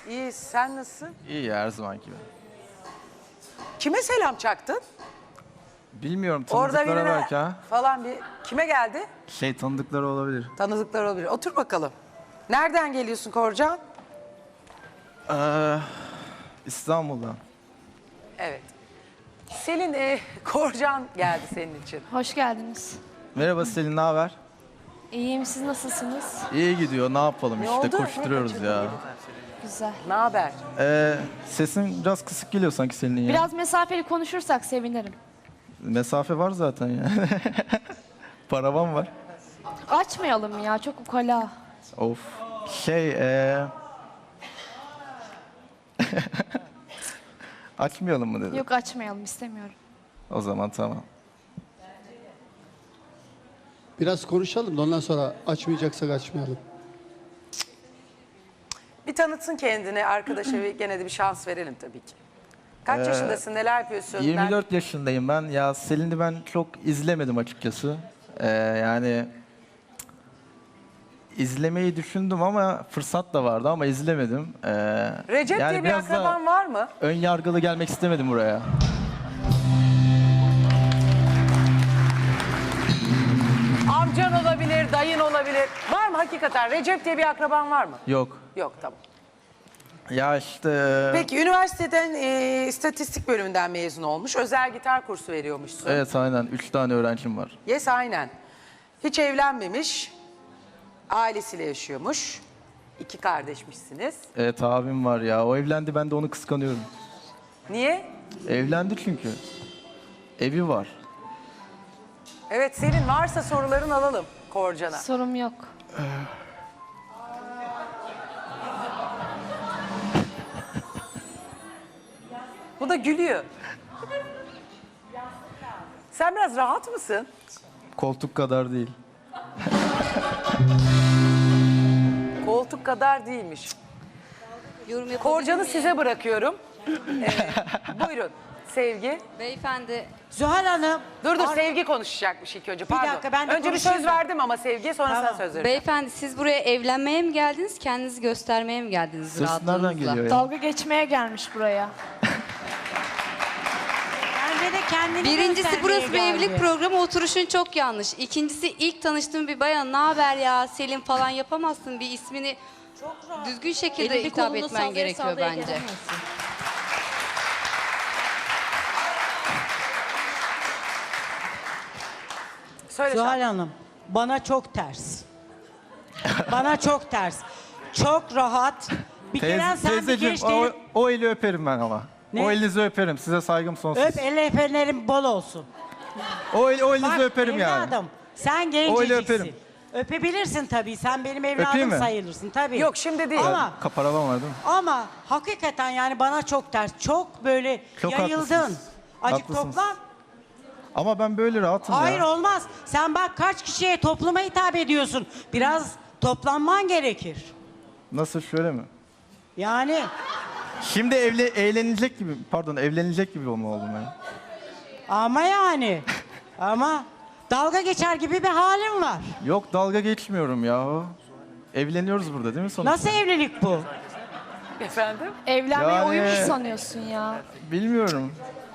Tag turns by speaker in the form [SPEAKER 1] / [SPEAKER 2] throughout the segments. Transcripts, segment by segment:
[SPEAKER 1] İyi, sen nasılsın?
[SPEAKER 2] İyi ya, her zaman gibi.
[SPEAKER 1] Kime selam çaktın?
[SPEAKER 2] Bilmiyorum,
[SPEAKER 1] Orada
[SPEAKER 2] tanıdıklara
[SPEAKER 1] birine
[SPEAKER 2] belki ha.
[SPEAKER 1] falan bir... Kime geldi?
[SPEAKER 2] Tanıdıkları olabilir.
[SPEAKER 1] Tanıdıklar olabilir. Otur bakalım. Nereden geliyorsun Korcan?
[SPEAKER 2] İstanbul'dan.
[SPEAKER 1] Evet. Selin, Korcan geldi senin için.
[SPEAKER 3] Hoş geldiniz.
[SPEAKER 2] Merhaba Selin, ne haber?
[SPEAKER 3] İyiyim, siz nasılsınız?
[SPEAKER 2] İyi gidiyor, ne yapalım
[SPEAKER 1] Ne
[SPEAKER 2] işte,
[SPEAKER 1] oldu?
[SPEAKER 2] koşturuyoruz
[SPEAKER 1] Ne
[SPEAKER 2] ya.
[SPEAKER 3] Güzel.
[SPEAKER 1] Ne haber?
[SPEAKER 2] Sesin biraz kısık geliyor sanki senin ya.
[SPEAKER 3] Biraz mesafeli konuşursak sevinirim.
[SPEAKER 2] Mesafe var zaten ya. Paravan var.
[SPEAKER 3] Açmayalım ya, çok ukala.
[SPEAKER 2] Of. Açmayalım mı dedi.
[SPEAKER 3] Yok, açmayalım, istemiyorum.
[SPEAKER 2] O zaman tamam.
[SPEAKER 4] Biraz konuşalım da ondan sonra açmayacaksak açmayalım.
[SPEAKER 1] Bir tanıtsın kendini arkadaşa ve gene de bir şans verelim tabii ki. Kaç yaşındasın, neler yapıyorsun?
[SPEAKER 2] 24 yaşındayım ben. Ya Selin'i ben çok izlemedim açıkçası. Yani izlemeyi düşündüm ama fırsat da vardı ama izlemedim.
[SPEAKER 1] Recep
[SPEAKER 2] yani
[SPEAKER 1] diye bir
[SPEAKER 2] biraz da
[SPEAKER 1] akraban var mı?
[SPEAKER 2] ön yargılı gelmek istemedim buraya.
[SPEAKER 1] Amcan olabilir, dayın olabilir. Var mı hakikaten? Recep diye bir akraban var mı?
[SPEAKER 2] Yok.
[SPEAKER 1] Yok, tamam.
[SPEAKER 2] Ya işte...
[SPEAKER 1] Peki üniversiteden istatistik bölümünden mezun olmuş. Özel gitar kursu veriyormuşsun.
[SPEAKER 2] Evet aynen. 3 tane öğrencim var.
[SPEAKER 1] Yes, aynen. Hiç evlenmemiş. Ailesiyle yaşıyormuş. 2 kardeşmişsiniz.
[SPEAKER 2] Evet abim var ya. O evlendi, ben de onu kıskanıyorum.
[SPEAKER 1] Niye?
[SPEAKER 2] Evlendi çünkü. Evi var.
[SPEAKER 1] Evet, senin varsa soruların alalım Korcan'a.
[SPEAKER 3] Sorum yok.
[SPEAKER 1] Bu da gülüyor. Sen biraz rahat mısın?
[SPEAKER 2] Koltuk kadar değil.
[SPEAKER 1] Koltuk kadar değilmiş.
[SPEAKER 5] Yorum yapabilir
[SPEAKER 1] Korcan'ı
[SPEAKER 5] miyim?
[SPEAKER 1] size bırakıyorum. Buyurun Sevgi.
[SPEAKER 5] Beyefendi,
[SPEAKER 6] Zuhal Hanım.
[SPEAKER 1] Dur Sevgi konuşacakmış ilk önce. Pardon.
[SPEAKER 6] dakika, ben de
[SPEAKER 1] önce bir
[SPEAKER 6] konuşayım
[SPEAKER 1] söz
[SPEAKER 6] da.
[SPEAKER 1] verdim ama Sevgi'ye sonra sana söz vereceğim.
[SPEAKER 5] beyefendi siz buraya evlenmeye mi geldiniz, kendinizi göstermeye mi geldiniz
[SPEAKER 2] Ses nereden
[SPEAKER 5] rahatlığınızla?
[SPEAKER 2] geliyor ya?
[SPEAKER 3] Dalga geçmeye gelmiş buraya.
[SPEAKER 6] Bence de kendini
[SPEAKER 5] Birincisi
[SPEAKER 6] göstermeye
[SPEAKER 5] burası bir
[SPEAKER 6] geldi.
[SPEAKER 5] evlilik programı, oturuşun çok yanlış. İkincisi ilk tanıştığım bir bayan, ne haber ya Selin falan yapamazsın, bir ismini düzgün şekilde hitap etmen gerekiyor bence.
[SPEAKER 1] Söyle
[SPEAKER 6] Zuhal
[SPEAKER 1] Şahin.
[SPEAKER 6] Hanım, bana çok ters. Bana çok ters. Çok rahat. Bir kere sen bir
[SPEAKER 2] Teyzeciğim,
[SPEAKER 6] geç değil.
[SPEAKER 2] o eli öperim ben ama.
[SPEAKER 6] Ne?
[SPEAKER 2] O elinizi öperim. Size saygım sonsuz.
[SPEAKER 6] Öp, el öpenlerin bol olsun.
[SPEAKER 2] O elinizi
[SPEAKER 6] Bak
[SPEAKER 2] öperim yani.
[SPEAKER 6] evladım, sen
[SPEAKER 2] öyle öperim.
[SPEAKER 6] genceciksin. Öpebilirsin tabii. Sen benim
[SPEAKER 2] Öpeyim
[SPEAKER 6] evladım
[SPEAKER 2] mi?
[SPEAKER 6] sayılırsın tabii.
[SPEAKER 1] Yok şimdi değil.
[SPEAKER 6] Ama
[SPEAKER 2] Kaparavan var değil mi?
[SPEAKER 6] ama hakikaten yani bana çok ters. Çok böyle
[SPEAKER 2] Çok
[SPEAKER 6] yayıldın.
[SPEAKER 2] haklısınız.
[SPEAKER 6] Acık
[SPEAKER 2] Haklısınız.
[SPEAKER 6] toplan.
[SPEAKER 2] Ama ben böyle rahatım
[SPEAKER 6] Hayır
[SPEAKER 2] ya.
[SPEAKER 6] olmaz. Sen bak kaç kişiye topluma hitap ediyorsun. Biraz toplanman gerekir.
[SPEAKER 2] Nasıl, şöyle mi?
[SPEAKER 6] Yani
[SPEAKER 2] Şimdi evlenecek gibi olma oldum ben.
[SPEAKER 6] ama yani ama dalga geçer gibi bir halim var.
[SPEAKER 2] Yok, dalga geçmiyorum ya. Evleniyoruz burada değil mi sonuçta?
[SPEAKER 6] Nasıl evlilik bu?
[SPEAKER 1] Efendim?
[SPEAKER 3] Evlenmeyi
[SPEAKER 2] Yani-
[SPEAKER 3] oyun mu sanıyorsun ya?
[SPEAKER 2] Bilmiyorum.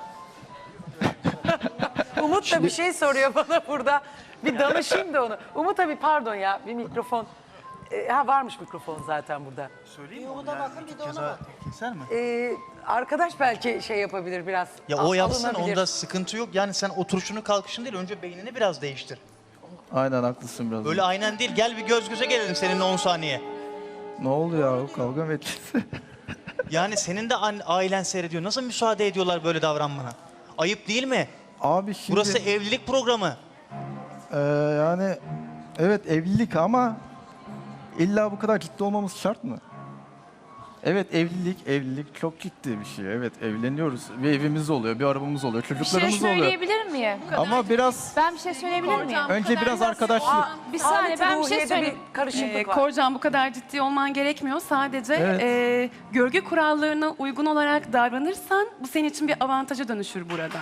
[SPEAKER 1] Umut da bir şey soruyor bana burada. Bir danışayım da onu. Umut abi pardon ya, bir mikrofon. Varmış mikrofon zaten burada.
[SPEAKER 7] Keser mi?
[SPEAKER 1] Arkadaş belki şey yapabilir biraz.
[SPEAKER 7] Ya o yapsın,
[SPEAKER 1] alınabilir.
[SPEAKER 7] onda sıkıntı yok. Yani sen oturuşunu kalkışını değil, önce beynini biraz değiştir.
[SPEAKER 2] Aynen, haklısın biraz.
[SPEAKER 7] Öyle aynen değil, gel bir göz göze gelelim seninle 10 saniye.
[SPEAKER 2] Ne oldu ya? Kavga mı edeceğiz?
[SPEAKER 7] Yani senin de ailen seyrediyor. Nasıl müsaade ediyorlar böyle davranmana? Ayıp değil mi?
[SPEAKER 2] Abi şimdi...
[SPEAKER 7] Burası evlilik programı.
[SPEAKER 2] Yani evet evlilik ama illa bu kadar ciddi olmamız şart mı? Evet, evlilik çok ciddi bir şey. Evet, evleniyoruz. Bir evimiz oluyor, bir arabamız oluyor,
[SPEAKER 3] Bir şey
[SPEAKER 2] çocuklarımız oluyor.
[SPEAKER 3] söyleyebilir miyim?
[SPEAKER 2] Ama biraz
[SPEAKER 3] Ben bir şey söyleyebilir miyim?
[SPEAKER 2] önce biraz arkadaşlık.
[SPEAKER 3] Bir saniye, ben bir şey
[SPEAKER 1] Ruhiye'de
[SPEAKER 3] söyleyeyim.
[SPEAKER 1] bir karışıklık var.
[SPEAKER 8] Korcan, bu kadar ciddi olman gerekmiyor. Sadece
[SPEAKER 2] Evet.
[SPEAKER 8] görgü kurallarına uygun olarak davranırsan bu senin için bir avantaja dönüşür burada.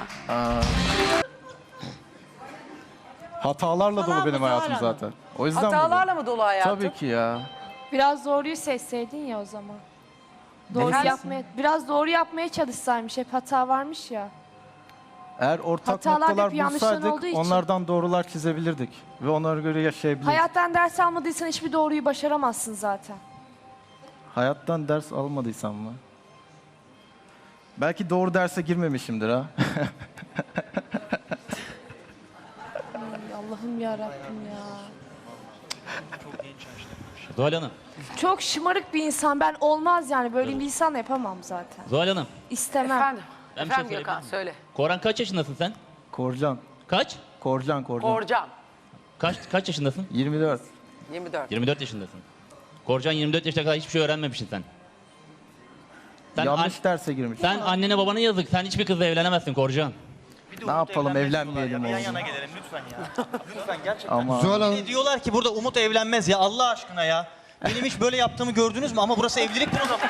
[SPEAKER 2] Hatalarla dolu
[SPEAKER 6] Hatalar
[SPEAKER 2] benim
[SPEAKER 6] mı,
[SPEAKER 2] hayatım
[SPEAKER 6] Zuhal Hanım?
[SPEAKER 2] zaten. O yüzden
[SPEAKER 1] Hatalarla
[SPEAKER 2] buradayım.
[SPEAKER 1] mı dolu hayatım?
[SPEAKER 2] Tabii ki ya.
[SPEAKER 3] Biraz doğruyu seçseydin ya o zaman. Doğru
[SPEAKER 1] Efendim?
[SPEAKER 3] biraz doğru yapmaya çalışsaymış. Hep hata varmış ya.
[SPEAKER 2] Eğer ortak
[SPEAKER 3] Hatalar
[SPEAKER 2] noktalar
[SPEAKER 3] hep yanlışların
[SPEAKER 2] bulsaydık
[SPEAKER 3] olduğu için.
[SPEAKER 2] onlardan doğrular çizebilirdik. Ve onlara göre yaşayabilirdik.
[SPEAKER 3] Hayattan ders almadıysan hiçbir doğruyu başaramazsın zaten.
[SPEAKER 2] Hayattan ders almadıysam mı? Belki doğru derse girmemişimdir ha.
[SPEAKER 3] Allah'ım ya Rabbim ya.
[SPEAKER 9] Zuhal Hanım.
[SPEAKER 3] Çok şımarık bir insan. Ben olmaz yani. Böyle bir insan yapamam zaten.
[SPEAKER 9] Zuhal Hanım.
[SPEAKER 3] İstemem.
[SPEAKER 1] Efendim.
[SPEAKER 9] Ben bir şey
[SPEAKER 1] Efendim
[SPEAKER 9] söyleyebilir
[SPEAKER 1] Gökhan
[SPEAKER 9] miyim?
[SPEAKER 1] söyle.
[SPEAKER 9] Koran kaç yaşındasın sen?
[SPEAKER 2] Korcan.
[SPEAKER 9] Kaç?
[SPEAKER 2] Korcan.
[SPEAKER 1] Korcan
[SPEAKER 9] Kaç yaşındasın?
[SPEAKER 2] 24.
[SPEAKER 1] 24.
[SPEAKER 9] 24 yaşındasın. Korcan 24 yaşına kadar hiçbir şey öğrenmemişsin sen.
[SPEAKER 2] Yanlış derse girmiş.
[SPEAKER 9] Sen annene babana yazık. Sen hiçbir kızla evlenemezsin Korcan.
[SPEAKER 7] Bir de
[SPEAKER 2] Ne
[SPEAKER 7] Umut
[SPEAKER 2] yapalım,
[SPEAKER 7] evlenmez
[SPEAKER 2] evlenmeyelim
[SPEAKER 7] diyorlar ya. Bir
[SPEAKER 2] oğlum.
[SPEAKER 7] yan yana gelelim lütfen ya. Lütfen gerçekten.
[SPEAKER 2] Ama
[SPEAKER 4] Zuhal Hanım,
[SPEAKER 7] Diyorlar ki burada Umut evlenmez ya Allah aşkına ya. Benim hiç böyle yaptığımı gördünüz mü? Ama burası evliliktir o zaman.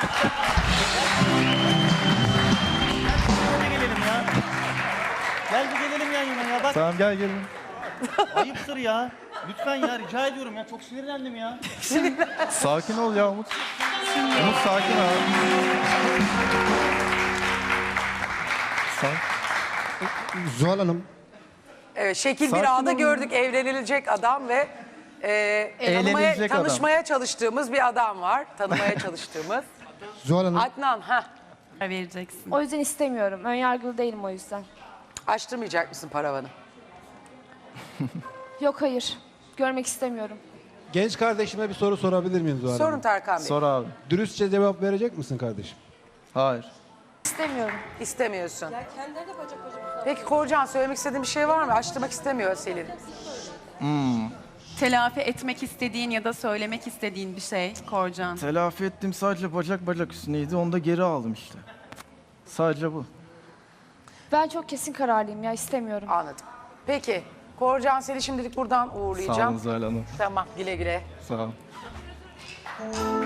[SPEAKER 7] Gel bir gelelim ya. Gel bir gelelim yan yana ya. Bak
[SPEAKER 2] tamam gel gelin.
[SPEAKER 7] ayıptır ya. Lütfen ya rica ediyorum ya. Çok sinirlendim ya.
[SPEAKER 2] Sakin ol ya Umut. Umut sakin abi.
[SPEAKER 4] Zuhal Hanım,
[SPEAKER 1] Evet, şekil
[SPEAKER 2] Sakin
[SPEAKER 1] bir anda
[SPEAKER 2] olun.
[SPEAKER 1] gördük evlenilecek adam ve
[SPEAKER 2] Eğlenilecek adam.
[SPEAKER 1] tanışmaya çalıştığımız bir adam var. Tanımaya çalıştığımız.
[SPEAKER 4] Zuhal Hanım,
[SPEAKER 1] Adnan,
[SPEAKER 8] vereceksin.
[SPEAKER 3] O yüzden istemiyorum. Önyargılı değilim o yüzden.
[SPEAKER 1] açtırmayacak mısın paravanı?
[SPEAKER 3] Yok hayır. Görmek istemiyorum.
[SPEAKER 10] Genç kardeşime bir soru sorabilir miyim Zuhal
[SPEAKER 1] Sorun
[SPEAKER 10] Hanım?
[SPEAKER 1] Tarkan Bey.
[SPEAKER 2] Sor abi.
[SPEAKER 10] Dürüstçe cevap verecek misin kardeşim?
[SPEAKER 2] Hayır.
[SPEAKER 3] İstemiyorum.
[SPEAKER 1] İstemiyorsun. Peki Korcan söylemek istediğin bir şey var mı? Açtırmak istemiyor Selin.
[SPEAKER 8] Telafi etmek istediğin ya da söylemek istediğin bir şey Korcan.
[SPEAKER 2] Telafi ettim sadece bacak üstüneydi. Onu da geri aldım işte. Sadece bu.
[SPEAKER 3] Ben çok kesin kararlıyım ya. İstemiyorum.
[SPEAKER 1] Anladım. Peki Korcan seni şimdilik buradan
[SPEAKER 2] Sağ olun
[SPEAKER 1] uğurlayacağım.
[SPEAKER 2] Zuhal Hanım.
[SPEAKER 1] Tamam güle güle.
[SPEAKER 2] Sağ olun.